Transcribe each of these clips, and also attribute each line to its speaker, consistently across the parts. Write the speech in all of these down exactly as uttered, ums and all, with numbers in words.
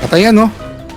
Speaker 1: Patay yan, no?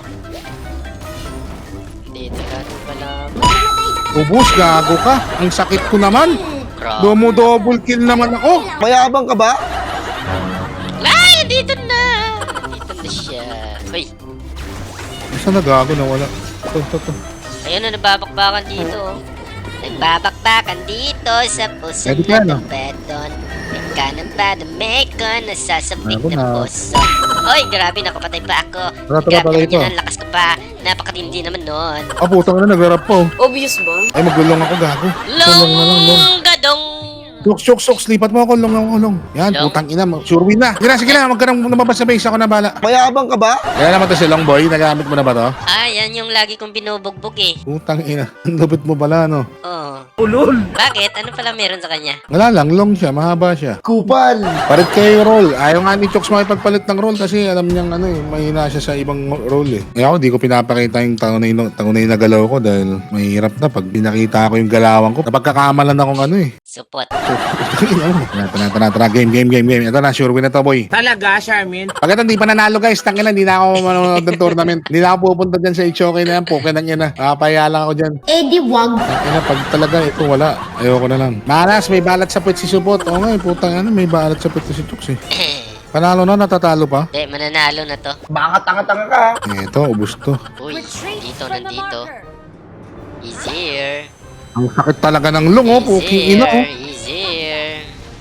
Speaker 2: Dito natin pala.
Speaker 1: Ubus, gago ka. Ang sakit ko naman.
Speaker 2: Grabe.
Speaker 1: Domo-double kill naman ako.
Speaker 3: Mayabang ka ba?
Speaker 2: Ay, dito na. Dito na siya. Uy,
Speaker 1: Saan na gago na wala? Ito, ito, ito.
Speaker 2: ayun na, nababakbakan dito. oh. Nagbabakbakan dito sa puso
Speaker 1: Pwede ka, no?
Speaker 2: ng beton. Nagkanan pa na mekon, nasasabik
Speaker 1: Ako
Speaker 2: na
Speaker 1: na.
Speaker 2: puso. Oy, grabe, nakapatay pa ako.
Speaker 1: Tara, tara,
Speaker 2: Grabe
Speaker 1: pala
Speaker 2: naman
Speaker 1: ito.
Speaker 2: yun, ang lakas ko pa. Napakatindi naman nun.
Speaker 1: Ah, putang na, nag-rap po.
Speaker 4: Obvious ba?
Speaker 1: Ay, magulong ako, gago. Tulong na lang, long.
Speaker 2: Longgadong!
Speaker 1: Shoks, shoks, shoks. Lipat mo ako, long, long, long. Yan,
Speaker 2: Long?
Speaker 1: putang ina. Sure win na. Sige na, sige na. Huwag ka nang lumabas sa base. Ako na bala.
Speaker 3: Mayabang ka ba?
Speaker 1: Kaya naman to si Long Boy. Nagamit mo na ba to?
Speaker 2: Ah, yan yung lagi kong binubugbog eh.
Speaker 1: Putang ina. Ang lupit mo pala, no?
Speaker 2: Oo.
Speaker 1: Ulol.
Speaker 2: Bakit? Ano pala meron sa kanya?
Speaker 1: Wala lang, long siya. Mahaba siya.
Speaker 3: Kupal.
Speaker 1: Palit kayo roll. Ayaw nga ni Chokes makipagpalit ng roll kasi alam niyang ano eh, mahina siya sa ibang roll eh. Eh ako, di ko pinapakita yung tangunay, tangunay na galaw ko dahil mahirap na pag pinakita ko yung galawan ko. Napagkakamalan akong ano eh.
Speaker 2: Supot.
Speaker 1: So, tara, tara, tara, tara, game, game, game, game. Ito na, sure win na to, boy.
Speaker 5: Talaga, Charmin?
Speaker 1: Pagkat hindi pa nanalo guys, tangin na, hindi na ako manonood ng tournament. Hindi na ako pupunta dyan sa Ichoke na yan, pukin ng ina. Nakapaya lang ako dyan.
Speaker 4: Eh di wag.
Speaker 1: Ina, pag talaga ito wala, ayoko na lang. Maras, may balat sa puwet si Supot. Oo nga, eh, putang ano, may balat sa puwet si Chokes eh. Panalo na, natatalo pa.
Speaker 2: Hindi, mananalo na to.
Speaker 3: Baka tanga-tanga ka.
Speaker 1: Eh, ito, ubus to.
Speaker 2: Uy, dito, nandito. Easier.
Speaker 1: Ang sakit talaga ng lung, oh, puking ina, oh.
Speaker 2: Easier.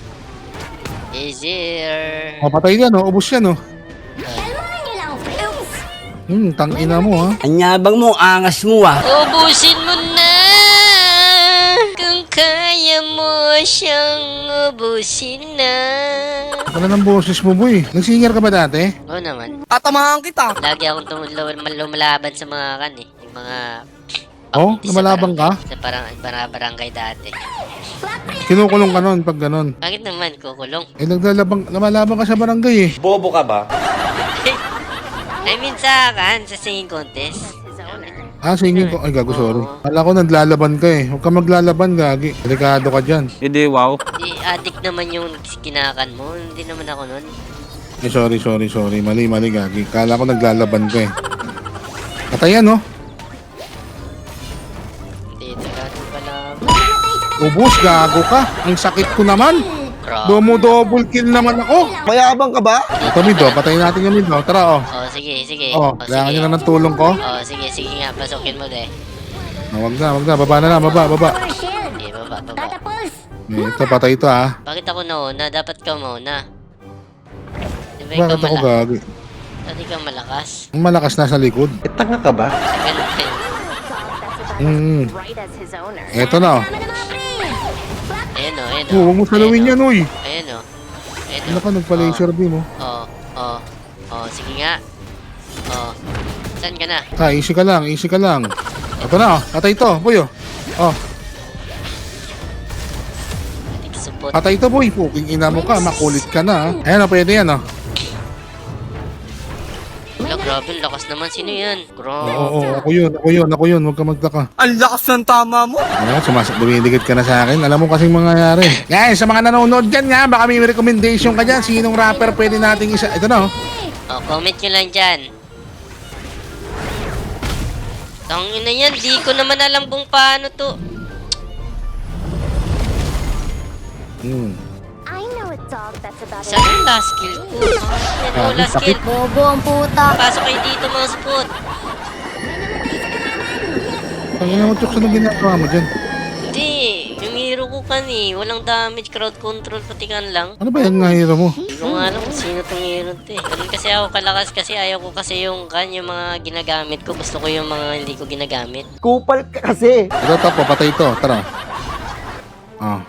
Speaker 2: Easier.
Speaker 1: Oh, patay yan, oh, ubus yan, oh. Hmm, tang ina mo, ha.
Speaker 5: Anyabang mo, angas mo ah.
Speaker 2: Ubusin mo na! Kung kaya mo siyang ubusin na.
Speaker 1: Wala ng boses mo, boy. Nagsinger ka ba dati?
Speaker 2: Oo naman.
Speaker 5: Tatamahan kita.
Speaker 2: Lagi akong tumulaw- lumalaban sa mga kan eh. Yung mga...
Speaker 1: Oh,
Speaker 2: pagpunti sa
Speaker 1: lumalabang ka?
Speaker 2: barangay- Sa parang para barangay dati.
Speaker 1: Kinukulong ka nun pag ganon.
Speaker 2: Bakit naman kukulong?
Speaker 1: Eh, naglalabang, lumalabang ka sa barangay, eh.
Speaker 3: Bobo ka ba?
Speaker 2: I mean sa kan, sa singing contest.
Speaker 1: Ah, singing ko. Ay, gago, sorry.
Speaker 2: Oo.
Speaker 1: Kala ko naglalaban ka, eh. Huwag ka maglalaban, gagi. Delikado ka dyan.
Speaker 5: Hindi, wow.
Speaker 2: Di addict naman yung kinakan mo. Hindi naman ako nun.
Speaker 1: Eh, sorry, sorry, sorry. Mali, mali, gagi. Kala ko naglalaban ka, eh. Patay yan, oh.
Speaker 2: Dito natin pala.
Speaker 1: Ubus, gago ka. Ang sakit ko naman.
Speaker 2: Grabe.
Speaker 1: Domo-double kill naman ako.
Speaker 3: Mayabang ka ba?
Speaker 1: Ito, mid, oh. Patayin natin yung mid, oh. Tara, oh.
Speaker 2: Oh, sige, sige.
Speaker 1: Oh, kailangan nyo na ng tulong ko.
Speaker 2: Oh, sige, sige nga. Pasukin mo de.
Speaker 1: Ah, wag na, wag na. Baba na lang, baba, baba.
Speaker 2: Sige, baba, baba.
Speaker 1: Eh, ito, patay ito, ah.
Speaker 2: Bakit ako nauna? Dapat ka mauna. Di ba ikaw
Speaker 1: Bakit ako
Speaker 2: malakas?
Speaker 1: gagi?
Speaker 2: Dati ka malakas.
Speaker 1: Ang malakas nasa likod.
Speaker 3: Eh, tanga ka ba?
Speaker 2: Ganun ka yun.
Speaker 1: Hmm. Eto na, oh.
Speaker 2: Ayan o, ayan o.
Speaker 1: Oh, huwag mo salawin yan, uy.
Speaker 2: Ayan o. Ayan
Speaker 1: Ano ka, nagpa-laser beam, oh.
Speaker 2: Oh, oh, oh, sige nga. Oh, saan ka na?
Speaker 1: Ha, easy ka lang, easy ka lang. Ito na, oh. Patay ito, boy, oh. Oh,
Speaker 2: Ating support.
Speaker 1: patay ito, boy. Puking ina mo ka, makulit ka na, ah. Ayan, oh, pwede yan, oh.
Speaker 2: Wala, grabe, lakas naman. Sino yan?
Speaker 1: Oo,
Speaker 2: Grabe.
Speaker 1: oo, oo, ako yun, ako yun, ako yun. Huwag ka magtaka.
Speaker 5: Ang lakas ng tama mo.
Speaker 1: Ano, sumasak, dumidikit ka na sa akin. Alam mo kasing mangyayari. Guys, sa mga nanonood dyan nga, baka may recommendation ka dyan. Sinong rapper pwede nating isa? Ito na, oh.
Speaker 2: Oh, comment nyo lang dyan. Tangin na yan, di ko naman alam kung paano to.
Speaker 1: Hmm.
Speaker 6: I know a dog that's about
Speaker 2: Saan yung last skill ko? Yan, oh, last
Speaker 1: sakit.
Speaker 2: skill.
Speaker 4: Bobo ang puta.
Speaker 2: Pasok kayo dito mga support.
Speaker 1: Tangina mo, Chokes, anong ginagawa mo dyan?
Speaker 2: Hindi, yung hero ko kan eh. Walang damage, crowd control, patikan lang.
Speaker 1: Ano ba yung nga hero mo?
Speaker 2: Hindi ko nga alam kung sino tong hero to eh. Ganun kasi ako kalakas kasi ayaw ko kasi yung kan, yung mga ginagamit ko. Gusto ko yung mga hindi ko ginagamit.
Speaker 3: Kupal ka kasi.
Speaker 1: Ito, tapo, patay ito. Tara. Ah.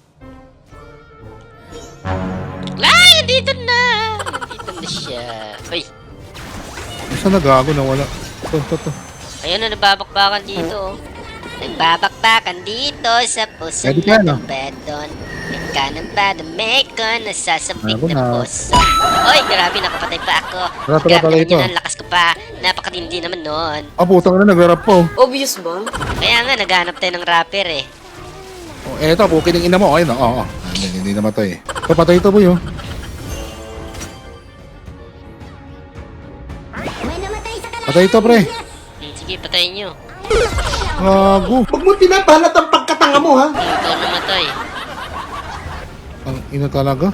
Speaker 2: Ay, dito na! Dito na siya. Uy,
Speaker 1: Saan nagago na wala? Ito, ito, ito.
Speaker 2: ayun na, nababakbakan dito. oh. Nagbabakbakan dito sa puso
Speaker 1: Pwede ka, no?
Speaker 2: ng beton. Nagkanan pa na mekon, nasasabik
Speaker 1: Ako
Speaker 2: na
Speaker 1: na.
Speaker 2: puso. Oy, grabe, nakapatay pa ako.
Speaker 1: Tara, tara,
Speaker 2: Grabe
Speaker 1: pala
Speaker 2: naman
Speaker 1: ito.
Speaker 2: yun, ang lakas ko pa. Napakatindi naman nun.
Speaker 1: Ah, putang na, nag-rap po.
Speaker 4: Obvious ba?
Speaker 2: Kaya nga, naghanap tayo ng rapper eh.
Speaker 1: Oh, eto, pukin ng ina mo. Ayun, oo. Oh, oh. Hindi, hindi namatay eh. Ito, patay ito, boy, oh.
Speaker 6: May namatay
Speaker 1: Patay ito, pre.
Speaker 2: Hmm, sige, patayin nyo.
Speaker 1: Gago.
Speaker 3: Huwag mo tinabalat ang pagkatanga mo, ha?
Speaker 2: Hmm, ikaw namatay.
Speaker 1: Ang ina talaga.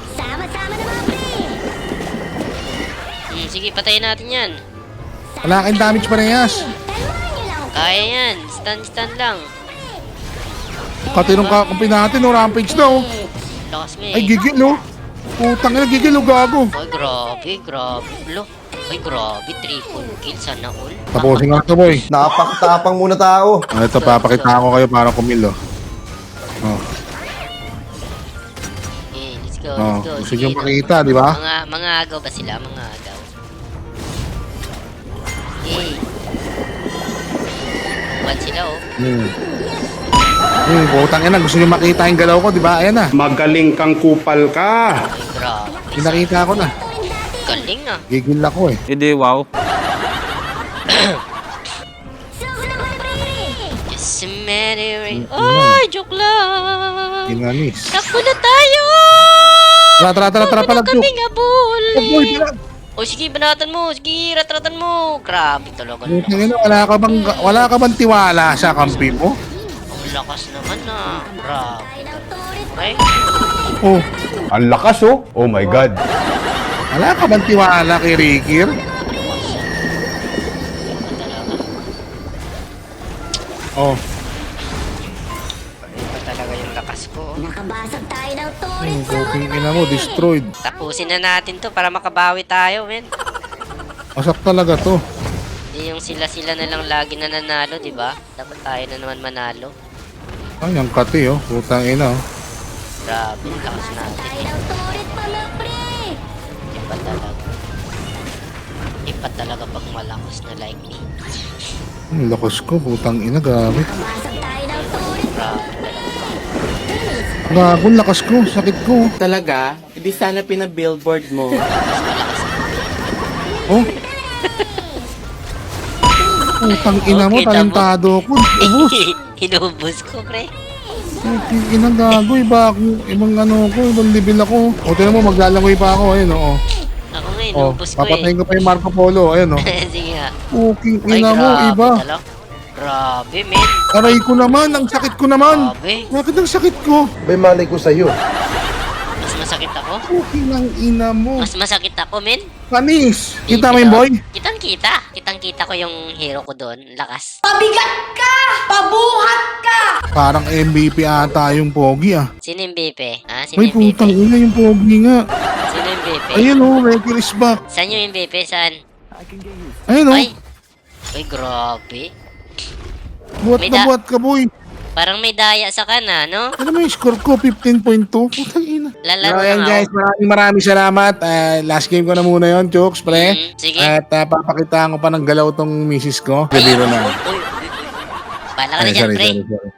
Speaker 2: Hmm, sige, patayin natin yan.
Speaker 1: Wala kang damage parehas.
Speaker 2: Kaya yan. Stun, stun lang.
Speaker 1: Katinong ka kumpi natin, no? Rampage na, oh.
Speaker 2: Lakas mo eh.
Speaker 1: Ay, gigil, oh. Putang ina, gigil, oh, gago.
Speaker 2: Ay, grabe, grabe. Lo. Ay, grabe. Triple kill. Sana all.
Speaker 1: Tapusin nga ito, boy.
Speaker 3: Napakatapang muna tao.
Speaker 1: Ah, ito, papakita ko kayo para kumil, oh. Oh,
Speaker 2: Eh, let's go,
Speaker 1: oh.
Speaker 2: let's go.
Speaker 1: Gusto
Speaker 2: Sige,
Speaker 1: nyo makita, di ba?
Speaker 2: Mga, mga agaw ba sila? Mga agaw. Eh. Buwan sila, oh.
Speaker 1: Hmm. Hmm, putang ina, gusto nyo makita yung galaw ko, di ba? Ayan na.
Speaker 4: Magaling kang kupal ka.
Speaker 2: Ay, grabe.
Speaker 1: Pinakita ko na.
Speaker 2: Galing ah.
Speaker 1: Gigil ako, eh.
Speaker 5: Hindi, wow.
Speaker 2: Just a matter of... Ay, joke lang.
Speaker 1: Ginanis.
Speaker 2: Takbo na tayo!
Speaker 1: Tara, tara, tara, tara,
Speaker 2: Takbo na
Speaker 1: palag,
Speaker 2: kaming abol!
Speaker 1: Oh, boy, palag.
Speaker 2: O sige, banatan mo. Sige, ratratan mo. Grabe talaga. Ang
Speaker 1: Putang ina, wala ka bang, wala ka bang tiwala sa kampi mo?
Speaker 2: lakas naman ah. Grabe. Okay?
Speaker 1: Oh,
Speaker 4: Ang lakas oh. Oh my God.
Speaker 1: wala ka bang tiwala kay Rikir? Oh,
Speaker 2: Iba talaga yung lakas ko.
Speaker 6: Nakabasag tayo ng
Speaker 1: yung puting ina mo, destroyed.
Speaker 2: Tapusin na natin to para makabawi tayo, men.
Speaker 1: Masak talaga to.
Speaker 2: Hindi yung sila-sila na lang lagi na nanalo, di ba? Dapat tayo na naman manalo.
Speaker 1: Ay, ang kati, oh. Putang ina, oh.
Speaker 2: Grabe, yung lakas natin. Eh. Iba talaga. Iba talaga pag malakas na like me.
Speaker 1: Ang lakas ko, putang ina, gamit.
Speaker 2: Grabe talaga.
Speaker 1: Gago, ang lakas ko, sakit ko.
Speaker 5: Talaga? Hindi sana pinabillboard mo.
Speaker 1: Oh. Putang ina mo,
Speaker 2: Okay, tama.
Speaker 1: talentado ko. Ubus.
Speaker 2: Inubos ko, pre.
Speaker 1: Putang ina, gago, iba ako. Ibang ano ko, ibang level ako. O, tinan mo, maglalangoy pa ako, ayun, oh.
Speaker 2: Ako nga,
Speaker 1: Oh,
Speaker 2: inubos ko eh.
Speaker 1: papatayin ko pa yung Marco Polo, ayun, oh.
Speaker 2: Sige nga.
Speaker 1: Puking
Speaker 2: Ay,
Speaker 1: ina mo,
Speaker 2: grabe
Speaker 1: iba.
Speaker 2: talaga. Grabe, men.
Speaker 1: Aray ko naman, ang sakit ko naman.
Speaker 2: Grabe.
Speaker 1: Bakit ang sakit ko?
Speaker 3: May malay ko sa'yo.
Speaker 2: Mas masakit ako.
Speaker 1: Puking ang ina mo.
Speaker 2: Mas masakit ako, men.
Speaker 1: Panis. Kita mo yung boy?
Speaker 2: Kitang kita. Kitang kita ko yung hero ko doon. Lakas.
Speaker 1: Parang M V P ata yung pogi, ah.
Speaker 2: Sino yung B P? Ah, sino
Speaker 1: Ay,
Speaker 2: yung B P?
Speaker 1: putang ina yung pogi nga.
Speaker 2: Sino yung B P?
Speaker 1: Ayun, oh, Rekil is back.
Speaker 2: Saan yung B P? Saan?
Speaker 1: Ayun, oh.
Speaker 2: Ay. Ay, grabe.
Speaker 1: Buhat
Speaker 2: may
Speaker 1: na
Speaker 2: da-
Speaker 1: buhat ka, boy.
Speaker 2: Parang may daya sa kana, no?
Speaker 1: Ano mo yung score ko? fifteen point two? Putang ina.
Speaker 2: Lalaro
Speaker 1: So, ayan
Speaker 2: lang
Speaker 1: guys,
Speaker 2: ako.
Speaker 1: maraming maraming salamat. Ah, last game ko na muna yon, Chooks, pre.
Speaker 2: Mm, sige.
Speaker 1: At ah, papakitaan ko pa ng galaw tong misis ko. Bibiro na.
Speaker 2: Uy, uy, uy. Bala ka na
Speaker 1: Ay,
Speaker 2: dyan,
Speaker 1: sorry,
Speaker 2: pre.
Speaker 1: sorry, sorry.